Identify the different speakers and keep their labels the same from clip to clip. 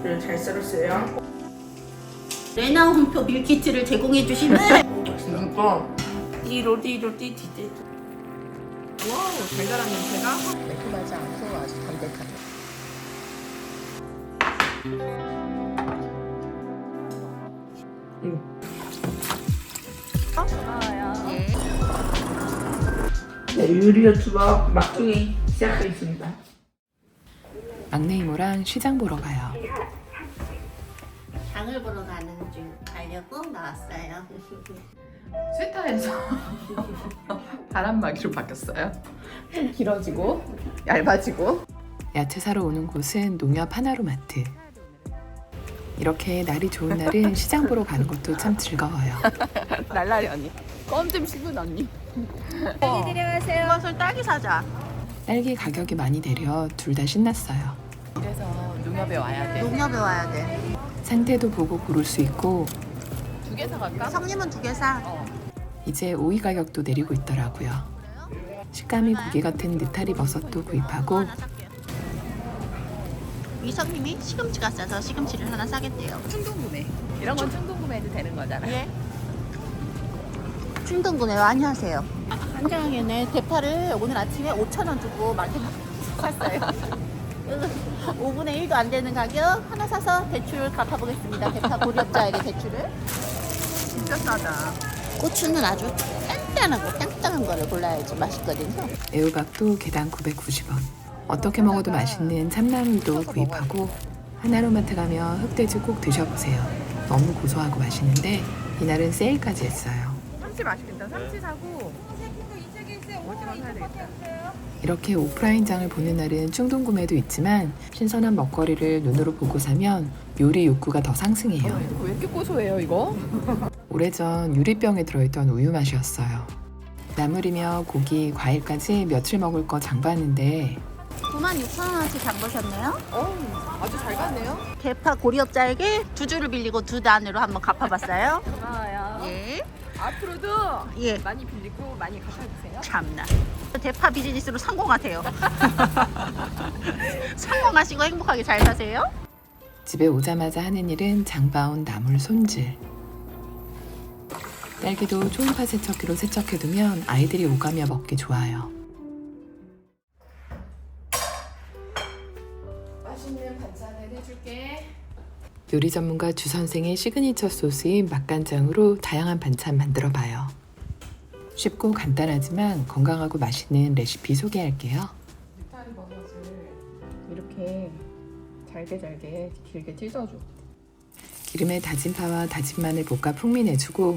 Speaker 1: 그래, 잘 썰었어요.
Speaker 2: 레나 홍표 밀키트를 제공해주시는
Speaker 1: 진짜 띠로띠로띠띠띠. 와우, 달달한 냄새가
Speaker 2: 매콤하지 않고 아주 담백하게.
Speaker 1: 네, 요리 유튜버 막둥이 시작하겠습니다.
Speaker 3: 막내 이모랑 시장 보러 가요.
Speaker 2: 장을 보러 가려고 나왔어요.
Speaker 3: 스타에서 바람막이로 바뀌었어요. 좀 길어지고 얇아지고. 야채 사러 오는 곳은 농협 하나로마트. 이렇게 날이 좋은 날은 시장 보러 가는 것도 참 즐거워요.
Speaker 4: 날라리 언니. 껌 좀 씹은 언니.
Speaker 2: 딸기 데려가세요. 이것을 딸기 사자.
Speaker 3: 딸기 가격이 많이 내려 둘 다 신났어요.
Speaker 4: 그래서 농협에 와야 돼.
Speaker 2: 농협에 와야 돼.
Speaker 3: 상태도 보고 고를 수 있고
Speaker 4: 2개 사갈까?
Speaker 2: 성님은 2개 사.
Speaker 3: 이제 오이 가격도 내리고 있더라고요. 식감이 고기 같은 느타리 버섯도 구입하고
Speaker 2: 위성님이 시금치가 싸서 시금치를 하나 사겠대요.
Speaker 4: 충동구매. 이런 건 충동구매해도 되는 거잖아.
Speaker 2: 예. 충동구매 많이 하세요. 한강에는 대파를 오늘 아침에 5,000원 주고 마켓에 샀어요. 5분의 1도 안 되는 가격 하나 사서 대출 갚아보겠습니다. 대파 고리업자에게 대출을.
Speaker 4: 진짜 싸다.
Speaker 2: 고추는 아주 단단하고 땅땅한 거를 골라야지 맛있거든요.
Speaker 3: 애호박도 개당 990원. 어떻게 먹어도 맛있는 참나물도 구입하고 하나로마트 가면 흑돼지 꼭 드셔보세요. 너무 고소하고 맛있는데 이날은 세일까지 했어요.
Speaker 4: 삼치 맛있겠다. 삼치 사고 오징어 사야 되겠다.
Speaker 3: 이렇게 오프라인장을 보는 날은 충동 구매도 있지만 신선한 먹거리를 눈으로 보고 사면 요리 욕구가 더 상승해요.
Speaker 4: 이거 왜 이렇게 고소해요 이거?
Speaker 3: 오래전 유리병에 들어있던 우유 맛이었어요. 나물이며 고기, 과일까지 며칠 먹을 거 장봤는데
Speaker 2: 96,000원어치 장 보셨네요.
Speaker 4: 아주 잘 갔네요.
Speaker 2: 대파 고리업자에게 2주를 빌리고 2단으로 한번 갚아봤어요.
Speaker 4: 고마워요.
Speaker 2: 예.
Speaker 4: 앞으로도
Speaker 2: 예.
Speaker 4: 많이 빌리고 많이 갚아주세요.
Speaker 2: 참나. 대파 비즈니스로 성공하세요. 성공하시고 행복하게 잘 사세요.
Speaker 3: 집에 오자마자 하는 일은 장봐온 나물 손질. 딸기도 초음파 세척기로 세척해두면 아이들이 오가며 먹기 좋아요.
Speaker 4: 맛있는 반찬을 해줄게.
Speaker 3: 요리 전문가 주 선생의 시그니처 소스인 맛간장으로 다양한 반찬 만들어봐요. 쉽고 간단하지만 건강하고 맛있는 레시피 소개할게요.
Speaker 4: 느타리 버섯을 이렇게 잘게 길게 찢어줘.
Speaker 3: 기름에 다진 파와 다진 마늘 볶아 풍미 내주고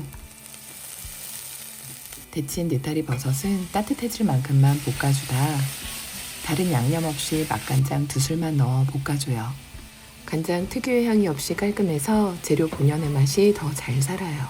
Speaker 3: 데친 느타리 버섯은 따뜻해질 만큼만 볶아주다 다른 양념 없이 맛간장 2술만 넣어 볶아줘요. 간장 특유의 향이 없이 깔끔해서 재료 본연의 맛이 더 잘 살아요.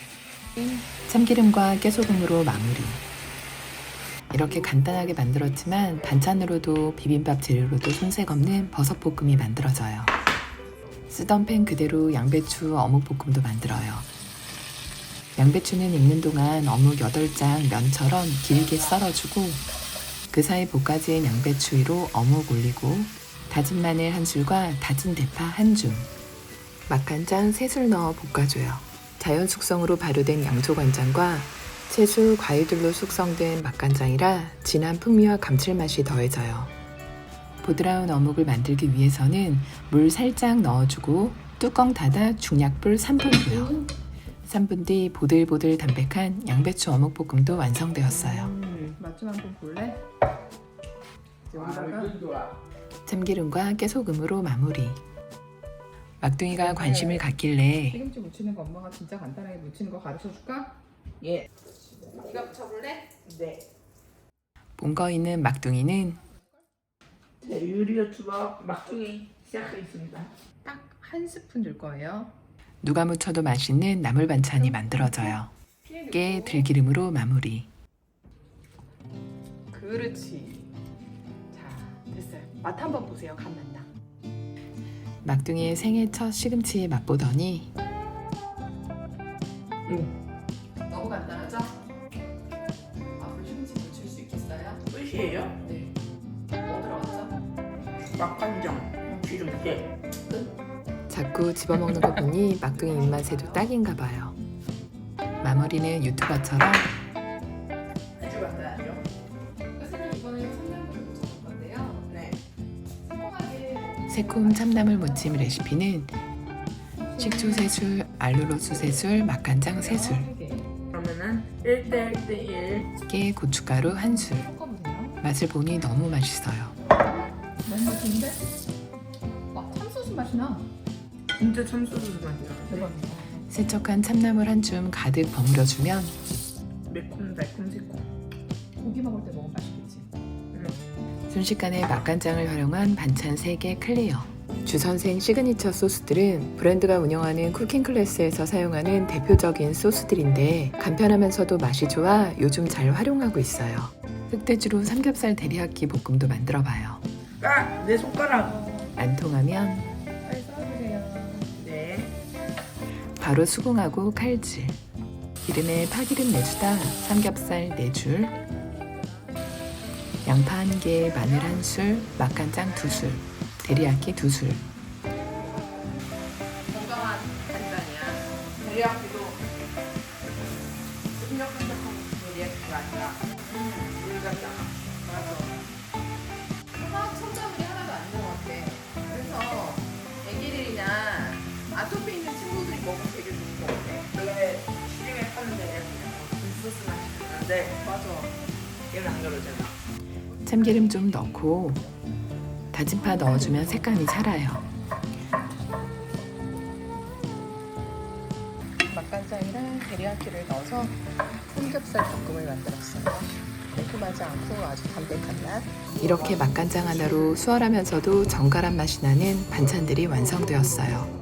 Speaker 3: 참기름과 깨소금으로 마무리. 이렇게 간단하게 만들었지만 반찬으로도 비빔밥 재료로도 손색 없는 버섯볶음이 만들어져요. 쓰던 팬 그대로 양배추 어묵볶음도 만들어요. 양배추는 익는 동안 어묵 8장 면처럼 길게 썰어주고 그 사이 볶아진 양배추 위로 어묵 올리고 다진 마늘 1술과 다진 대파 1줌 맛간장 3술 넣어 볶아줘요. 자연 숙성으로 발효된 양조간장과 채소, 과일들로 숙성된 맛간장이라 진한 풍미와 감칠맛이 더해져요. 보드라운 어묵을 만들기 위해서는 물 살짝 넣어주고 뚜껑 닫아 중약불 3분 두요. 3분 뒤 보들보들 담백한 양배추 어묵볶음도 완성되었어요.
Speaker 4: 맛 좀 한번 볼래? 여기다가
Speaker 3: 참기름과 깨소금으로 마무리. 막둥이가 관심을 갖길래
Speaker 4: 시금치 무치는 거 엄마가 진짜 간단하게 무치는 거 가르쳐 줄까?
Speaker 1: 예.
Speaker 4: 네가 무쳐볼래?
Speaker 1: 네.
Speaker 3: 본거 있는 막둥이는
Speaker 1: 네, 요리 유튜버 막둥이 시작하겠습니다.
Speaker 4: 딱 한 스푼 줄 거예요.
Speaker 3: 누가 무쳐도 맛있는 나물 반찬이 만들어져요. 깨, 들기름으로 마무리.
Speaker 4: 그렇지. 자, 됐어요. 맛 한번 보세요. 간 맛나.
Speaker 3: 막둥이의 생애 첫 시금치 맛보더니
Speaker 4: 너무 간단하죠? 앞으로 시금치 무칠 수 있겠어요?
Speaker 1: 끝이에요?
Speaker 4: 네. 뭐 들어갔죠?
Speaker 1: 막간장, 기름때,
Speaker 4: 끝.
Speaker 3: 자꾸 집어먹는 거 보니 막둥이 입맛에도 딱인가 봐요. 마무리는 유튜버처럼
Speaker 1: 해주 받아야죠.
Speaker 4: 선생님 이번에 참나무를 묻혀볼 건데요.
Speaker 1: 네.
Speaker 4: 꼼꼼하게
Speaker 3: 새콤 참나물 무침 레시피는 식초 3술, 알룰로스 3술, 맛간장 3술,
Speaker 1: 그러면은 1대 1대 1.
Speaker 3: 깨 고춧가루 1술.
Speaker 4: 섞어보세요.
Speaker 3: 맛을 보니 너무 맛있어요.
Speaker 4: 너무 맛있는데? 참소스 맛이 나.
Speaker 1: 진짜 참소스 맛이야.
Speaker 4: 대박이다.
Speaker 3: 세척한 참나물 한 줌 가득 버무려주면
Speaker 1: 매콤 달콤 새콤.
Speaker 4: 고기 먹을 때 먹으면 맛있겠지.
Speaker 3: 순식간에 맛간장을 활용한 반찬 3개 클리어. 주선생 시그니처 소스들은 브랜드가 운영하는 쿠킹 클래스에서 사용하는 대표적인 소스들인데 간편하면서도 맛이 좋아 요즘 잘 활용하고 있어요. 흑돼지로 삼겹살 데리야끼 볶음도 만들어봐요.
Speaker 1: 아! 내 손가락.
Speaker 3: 안 통하면
Speaker 4: 빨리 썰어주세요.
Speaker 1: 네.
Speaker 3: 바로 수긍하고 칼질. 기름에 파기름 내주다 삼겹살 4줄, 양파 1개, 마늘 1술, 맛간장 2술, 데리야끼 2술.
Speaker 1: 건강한 간장이야. 데리야끼도 끈적끈적한 데리야끼가 아니라 물간장. 맞아.
Speaker 4: 화학 첨가물이 하나도 안 들어갔대. 그래서 애기들이나 아토피 있는 친구들이 먹으면 되게 좋은 것 같아.
Speaker 1: 원래 시중에 파는 데리야끼는 굴소스 맛이 나는데
Speaker 4: 맞아.
Speaker 1: 얘는 안 그러잖아.
Speaker 3: 참기름 좀 넣고 다진 파 넣어주면 색감이 살아요.
Speaker 2: 맛간장이랑 데리야끼를 넣어서 삼겹살 볶음을 만들었어요. 매콤하지 않고 아주 담백한 맛.
Speaker 3: 이렇게 맛간장 하나로 수월하면서도 정갈한 맛이 나는 반찬들이 완성되었어요.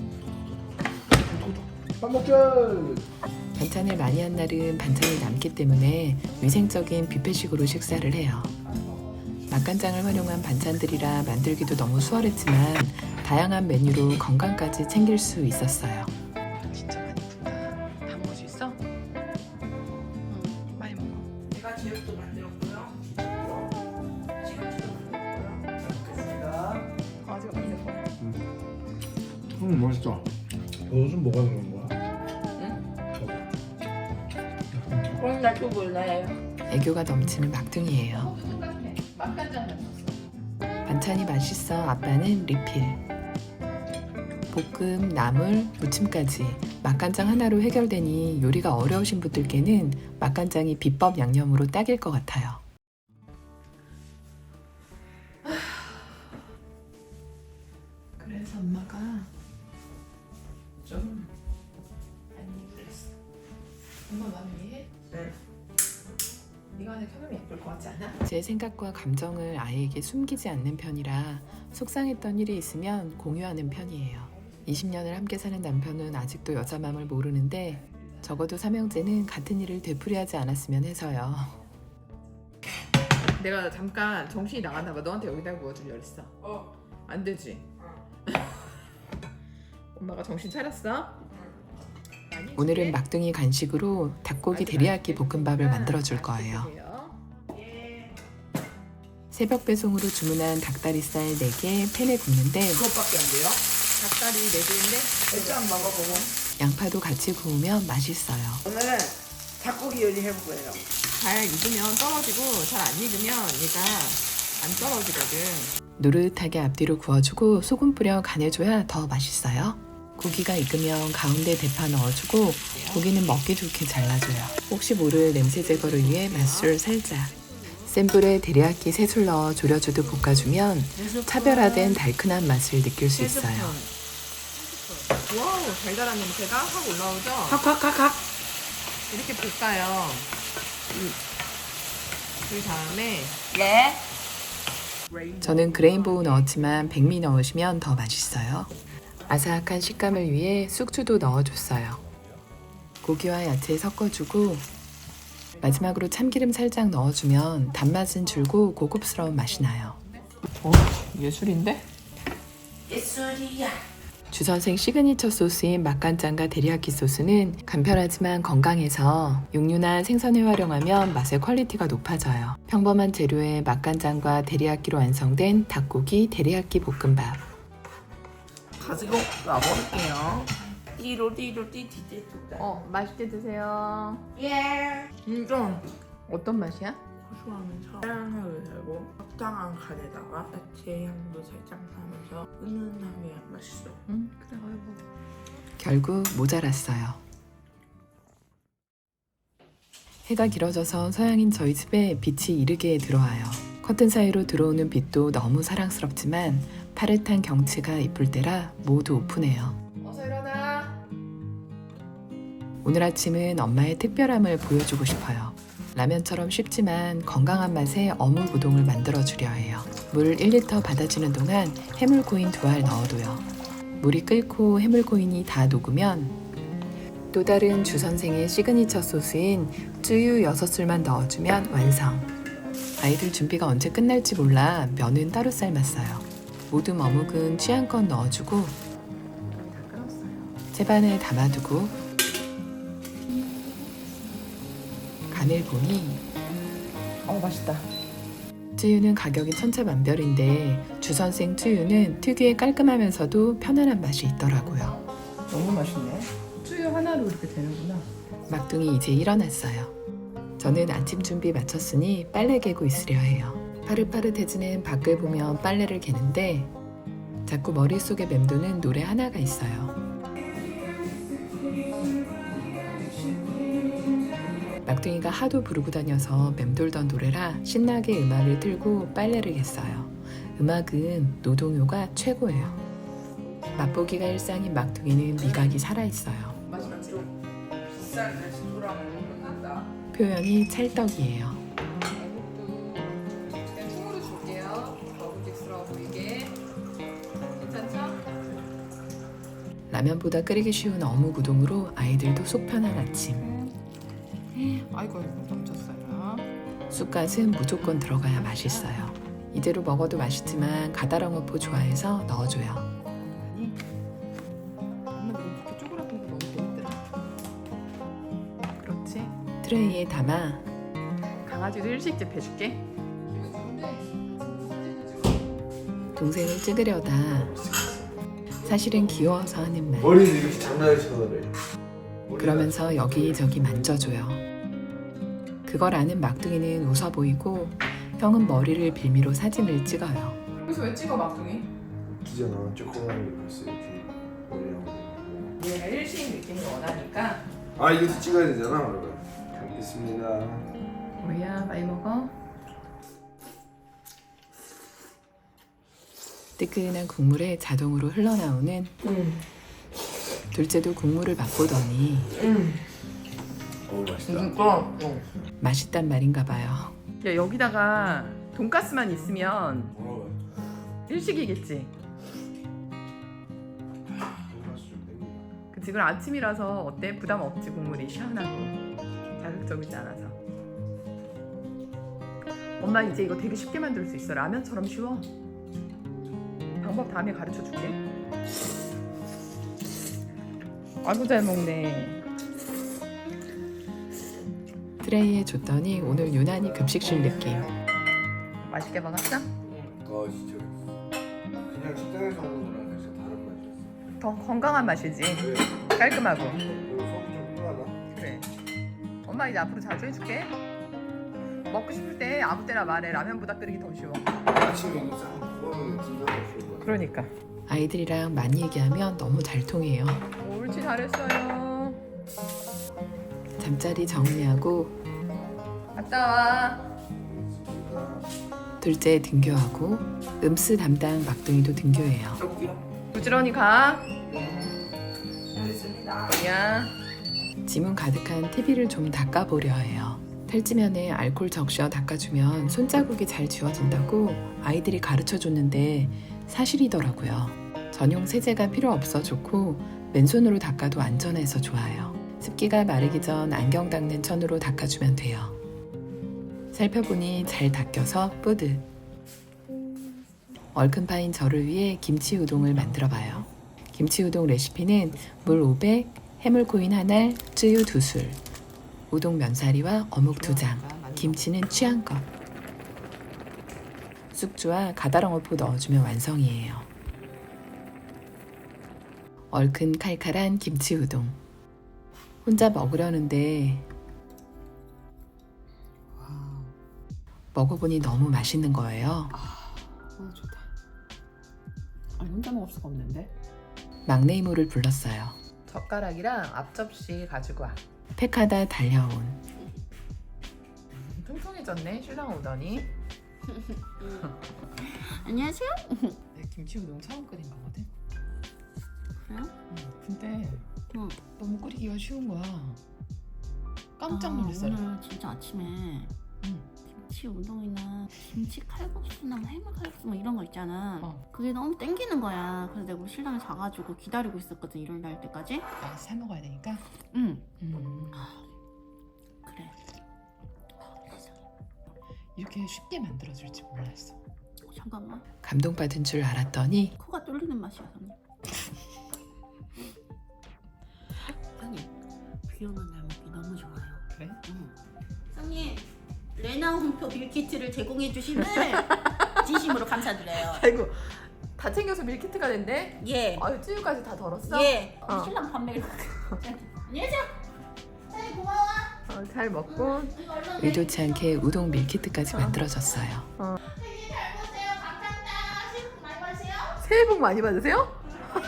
Speaker 5: 밥 먹자.
Speaker 3: 반찬을 많이 한 날은 반찬이 남기 때문에 위생적인 뷔페식으로 식사를 해요. 맛간장을 활용한 반찬들이라 만들기도 너무 수월했지만 다양한 메뉴로 건강까지 챙길 수 있었어요. 진짜 많이 푼다. 다 먹을 수 있어? 많이 먹어.
Speaker 1: 제가 제육도 만들었고요. 시금치도 만들었고요.
Speaker 5: 먹겠습니다.
Speaker 4: 아직 없는 거.
Speaker 5: 맛있다. 버섯은 뭐가 들어간 거야?
Speaker 1: 오늘 날또 몰라요.
Speaker 3: 애교가 넘치는 막둥이에요.
Speaker 4: 똑같네. 맛간장 넣었어.
Speaker 3: 반찬이 맛있어 아빠는 리필. 볶음, 나물, 무침까지 맛간장 하나로 해결되니 요리가 어려우신 분들께는 맛간장이 비법 양념으로 딱일 것 같아요.
Speaker 4: 그래서 엄마가
Speaker 1: 좀 많이 그랬어.
Speaker 4: 엄마 마음 이해해?
Speaker 1: 네.
Speaker 4: 네가 하는 켜놓으면 예쁠 것 같지 않아?
Speaker 3: 제 생각과 감정을 아이에게 숨기지 않는 편이라 속상했던 일이 있으면 공유하는 편이에요. 20년을 함께 사는 남편은 아직도 여자 마음을 모르는데 적어도 삼형제는 같은 일을 되풀이하지 않았으면 해서요.
Speaker 4: 내가 잠깐 정신이 나갔나 봐. 너한테 여기다 부어주려 했어. 안 되지? 엄마가 정신 차렸어? 많이
Speaker 3: 오늘은
Speaker 4: 해줄게.
Speaker 3: 막둥이 간식으로 닭고기 데리야끼 볶음밥을 만들어 줄 거예요. 새벽 배송으로 주문한 닭다리살 4개 팬에 굽는데
Speaker 1: 그것밖에 안 돼요?
Speaker 4: 닭다리 4개인데
Speaker 1: 일단 먹어보고.
Speaker 3: 양파도 같이 구우면 맛있어요.
Speaker 1: 오늘은 닭고기 요리 해볼 거예요.
Speaker 4: 잘 익으면 떨어지고 잘 안 익으면 얘가 안 떨어지거든.
Speaker 3: 노릇하게 앞뒤로 구워주고 소금 뿌려 간해줘야 더 맛있어요. 고기가 익으면 가운데 대파 넣어주고 고기는 먹기 좋게 잘라줘요. 혹시 모를 냄새 제거를 위해 맛술 살짝. 센 불에 데리야끼 3술 넣어 졸여주듯 볶아주면 차별화된 달큰한 맛을 느낄 수 있어요.
Speaker 4: 와우, 달달한 냄새가 확 올라오죠?
Speaker 1: 각각각각.
Speaker 4: 이렇게 볶아요. 그 다음에
Speaker 1: 네.
Speaker 3: 저는 그레인보우 넣었지만 백미 넣으시면 더 맛있어요. 아삭한 식감을 위해 쑥주도 넣어줬어요. 고기와 야채 섞어주고 마지막으로 참기름 살짝 넣어주면 단맛은 줄고 고급스러운 맛이 나요.
Speaker 4: 예술인데?
Speaker 1: 예술이야.
Speaker 3: 주선생 시그니처 소스인 맛간장과 데리야끼 소스는 간편하지만 건강해서 육류나 생선을 활용하면 맛의 퀄리티가 높아져요. 평범한 재료에 맛간장과 데리야끼로 완성된 닭고기 데리야끼 볶음밥.
Speaker 4: 가지고 와볼게요.
Speaker 1: 띠로띠로띠띠띠.
Speaker 4: 맛있게 드세요.
Speaker 1: 예.
Speaker 4: 진짜 어떤 맛이야?
Speaker 1: 고소하면서 사랑을 달고 적당한 간에다가 야채 향도 살짝 나면서 은은하게 맛있어.
Speaker 4: 그래 아이고.
Speaker 3: 결국 모자랐어요. 해가 길어져서 서양인 저희 집에 빛이 이르게 들어와요. 커튼 사이로 들어오는 빛도 너무 사랑스럽지만 파릇한 경치가 이쁠 때라 모두 오픈해요.
Speaker 4: 어서 일어나.
Speaker 3: 오늘 아침은 엄마의 특별함을 보여주고 싶어요. 라면처럼 쉽지만 건강한 맛의 어묵 우동을 만들어 주려 해요. 물 1리터 받아주는 동안 해물코인 2알 넣어둬요. 물이 끓고 해물코인이 다 녹으면 또 다른 주 선생의 시그니처 소스인 쯔유 6술만 넣어주면 완성. 아이들 준비가 언제 끝날지 몰라 면은 따로 삶았어요. 모듬 어묵은 취향껏 넣어주고 채반에 담아두고 간을 보니
Speaker 4: 맛있다.
Speaker 3: 쯔유는 가격이 천차만별인데 주선생 쯔유는 특유의 깔끔하면서도 편안한 맛이 있더라고요.
Speaker 4: 너무 맛있네. 쯔유 하나로 이렇게 되는구나.
Speaker 3: 막둥이 이제 일어났어요. 저는 아침 준비 마쳤으니 빨래 개고 있으려 해요. 파릇파릇해지는 밖을 보면 빨래를 개는데 자꾸 머릿속에 맴도는 노래 하나가 있어요. 막둥이가 하도 부르고 다녀서 맴돌던 노래라 신나게 음악을 틀고 빨래를 겠어요. 음악은 노동요가 최고예요. 맛보기가 일상인 막둥이는 미각이 살아있어요.
Speaker 4: 맛있다. 좀 비싼 레스토랑으로 끝난다.
Speaker 3: 표현이 찰떡이에요.
Speaker 4: 애국도 그냥 통으로 줄게요. 먹음직스러워 보이게. 괜찮죠?
Speaker 3: 라면보다 끓이기 쉬운 어묵 우동으로 아이들도 속 편한 아침.
Speaker 4: 아이고 넘쳤어요.
Speaker 3: 쑥갓은 무조건 들어가야 맛있어요. 이대로 먹어도 맛있지만 가다랑어포 좋아해서 넣어줘요.
Speaker 4: 엄마 너무 이렇게 쪼그라든 거 너무 재밌더라. 그렇지.
Speaker 3: 트레이에 담아
Speaker 4: 강아지도 일식집 해줄게.
Speaker 3: 동생을 찍으려다 사실은 귀여워서 하는 말.
Speaker 5: 머리는 이렇게 장난을 쳐서래.
Speaker 3: 그러면서 여기저기 만져줘요. 그걸 아는 막둥이는 웃어 보이고 형은 머리를 빌미로 사진을 찍어요.
Speaker 4: 여기서 왜 찍어 막둥이?
Speaker 5: 기잖아. 조그만 게 벌써 이렇게 머리하고.
Speaker 4: 얘가 일식 느낌을 원하니까.
Speaker 5: 아 이것도 찍어야 되잖아. 여러분. 알겠습니다.
Speaker 4: 뭐야 많이 먹어?
Speaker 3: 뜨끈한 국물에 자동으로 흘러나오는 둘째도 국물을 맛보더니
Speaker 5: 맛있다.
Speaker 3: 맛있단 말인가 봐요.
Speaker 4: 야 여기다가 돈가스만 있으면
Speaker 5: 뭐라고?
Speaker 4: 일식이겠지.
Speaker 5: 돈가스 좀 땡기다.
Speaker 4: 그치 그럼 아침이라서 어때? 부담 없지 국물이 시원하고 자극적이지 않아서. 엄마 이제 이거 되게 쉽게 만들 수 있어. 라면처럼 쉬워. 방법 다음에 가르쳐 줄게. 아이고 잘 먹네.
Speaker 3: 트레이에 줬더니 오늘 유난히 급식실 느낌.
Speaker 4: 맛있게 먹었어?
Speaker 5: 진짜. 그냥 식당에서 먹는 거랑 진짜 다른 맛이었어.
Speaker 4: 더 건강한 맛이지.
Speaker 5: 그래.
Speaker 4: 깔끔하고.
Speaker 5: 속이 좀 편하다.
Speaker 4: 그래. 엄마 이제 앞으로 자주 해줄게. 먹고 싶을 때 아무 때나 말해. 라면보다 끓이기 더 쉬워.
Speaker 5: 아침에 이거 싹 구워면 진짜 맛있을 거야.
Speaker 4: 그러니까.
Speaker 3: 아이들이랑 많이 얘기하면 너무 잘 통해요.
Speaker 4: 옳지 잘했어요.
Speaker 3: 잠자리 정리하고
Speaker 4: 갔다 와.
Speaker 3: 둘째 등교하고 음스 담당 막둥이도 등교해요.
Speaker 4: 부지런히 가.
Speaker 1: 알겠습니다.
Speaker 4: 야.
Speaker 3: 지문 가득한 TV를 좀 닦아보려 해요. 탈지면에 알코올 적셔 닦아주면 손자국이 잘 지워진다고 아이들이 가르쳐줬는데 사실이더라고요. 전용 세제가 필요 없어 좋고 맨손으로 닦아도 안전해서 좋아요. 습기가 마르기 전 안경 닦는 천으로 닦아주면 돼요. 살펴보니 잘 닦여서 뿌듯. 얼큰 파인 저를 위해 김치 우동을 만들어봐요. 김치 우동 레시피는 물 500, 해물코인 1알, 쯔유 2술, 우동 면사리와 어묵 2장, 김치는 취향껏. 쑥주와 가다랑어포 넣어주면 완성이에요. 얼큰 칼칼한 김치 우동. 혼자 먹으려는데 먹어보니 너무 맛있는 거예요.
Speaker 2: 좋다. 아니 혼자 먹을 수가 없는데.
Speaker 3: 막내 이모를 불렀어요.
Speaker 2: 젓가락이랑 앞접시 가지고 와.
Speaker 3: 팩하다 달려온
Speaker 2: 통통해졌네 신랑 오더니.
Speaker 6: 안녕하세요.
Speaker 2: 내 김치 우동 처음 끓인 거거든.
Speaker 6: 그래요?
Speaker 2: 근데
Speaker 6: 응.
Speaker 2: 너무 끓이기가 쉬운 거야. 깜짝
Speaker 6: 아,
Speaker 2: 놀랐어요.
Speaker 6: 오늘 진짜 아침에
Speaker 2: 응.
Speaker 6: 김치 우동이나 김치 칼국수나 뭐 해물 칼국수 뭐 이런 거 있잖아. 그게 너무 땡기는 거야. 그래서 내가 우리 신랑이 자가지고 기다리고 있었거든. 일요일 날 때까지.
Speaker 2: 아, 사 먹어야 되니까.
Speaker 6: 응. 그래. 세상에.
Speaker 2: 이렇게 쉽게 만들어줄 줄 몰랐어.
Speaker 6: 잠깐만.
Speaker 3: 감동받은 줄 알았더니
Speaker 6: 코가 뚫리는 맛이야, 선님. 선님, 비 오는 날 먹기 너무 좋아요.
Speaker 2: 그래?
Speaker 6: 응. 선님, 레나 홍표 밀키트를 제공해 주심을 진심으로 감사드려요.
Speaker 2: 아이고 다 챙겨서 밀키트가 됐네.
Speaker 6: 예.
Speaker 2: 아유 찌유까지 다 덜었어?
Speaker 6: 예. 신랑 밥 먹이러 안녕하세요. 선님 고마워.
Speaker 2: 잘 먹고.
Speaker 6: 이거 얼른
Speaker 3: 의도치 않게 우동 밀키트까지 만들어졌어요.
Speaker 6: 선생님 잘 보세요. 감사합니다. 새해 복 많이 받으세요.
Speaker 2: 새해 복 많이 받으세요?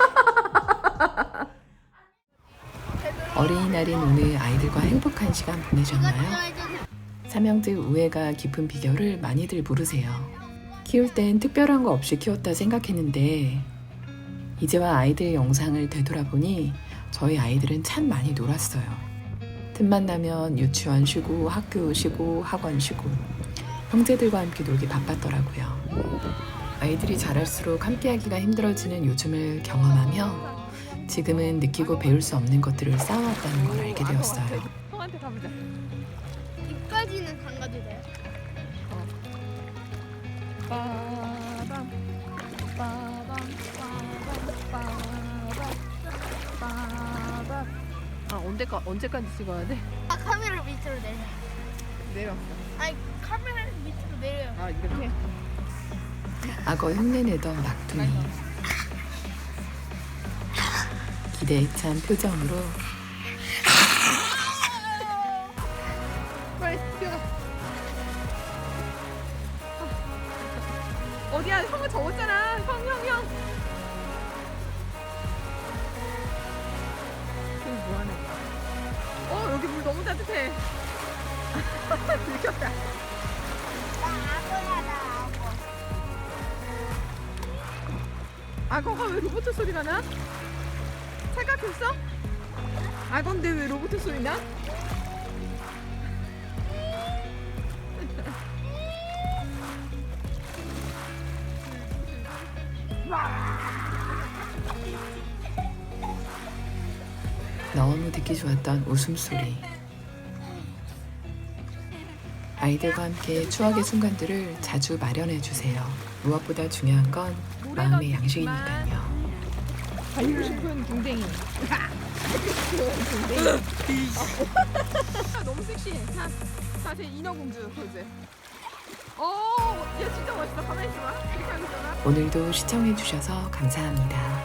Speaker 3: 어린이날인 오늘 아이들과 행복한 시간 보내셨나요? 삼형제 우애가 깊은 비결을 많이들 모르세요. 키울 땐 특별한 거 없이 키웠다 생각했는데 이제와 아이들 영상을 되돌아보니 저희 아이들은 참 많이 놀았어요. 틈만 나면 유치원 쉬고 학교 쉬고 학원 쉬고 형제들과 함께 놀기 바빴더라고요. 아이들이 자랄수록 함께하기가 힘들어지는 요즘을 경험하며 지금은 느끼고 배울 수 없는 것들을 쌓아왔다는 걸 알게 되었어요.
Speaker 2: 형한테 가보자.
Speaker 7: 입까지는 안 가도 돼요?
Speaker 2: 빠밤 빠밤 빠밤. 아 언제까지 찍어야 돼?
Speaker 7: 아 카메라 밑으로 내려.
Speaker 2: 내려.
Speaker 7: 아니 카메라 밑으로 내려요.
Speaker 2: 아 이렇게?
Speaker 3: 악어 흉내내던 막둥이. 기대에 찬 표정으로
Speaker 2: 빨리 뛰어가. 어디야? 형은 적었잖아. 형. 지금 뭐 하는 거야? 여기 물 너무 따뜻해. 들켰다.
Speaker 7: 나 악어야 나 악어.
Speaker 2: 악어가 왜 로봇 소리가 나? 착각했어? 악어인데 왜 로봇 소리 나?
Speaker 3: 너무 듣기 좋았던 웃음소리. 아이들과 함께 추억의 순간들을 자주 마련해 주세요. 무엇보다 중요한 건 마음의 양식이니까요.
Speaker 2: 달리고 싶은 둥댕이. 둥댕이. 너무 섹시해. 사실 인어공주 포즈. 얘 진짜 멋있어. 가만히 있어봐. 이렇게 하고 있잖아.
Speaker 3: 오늘도 시청해 주셔서 감사합니다.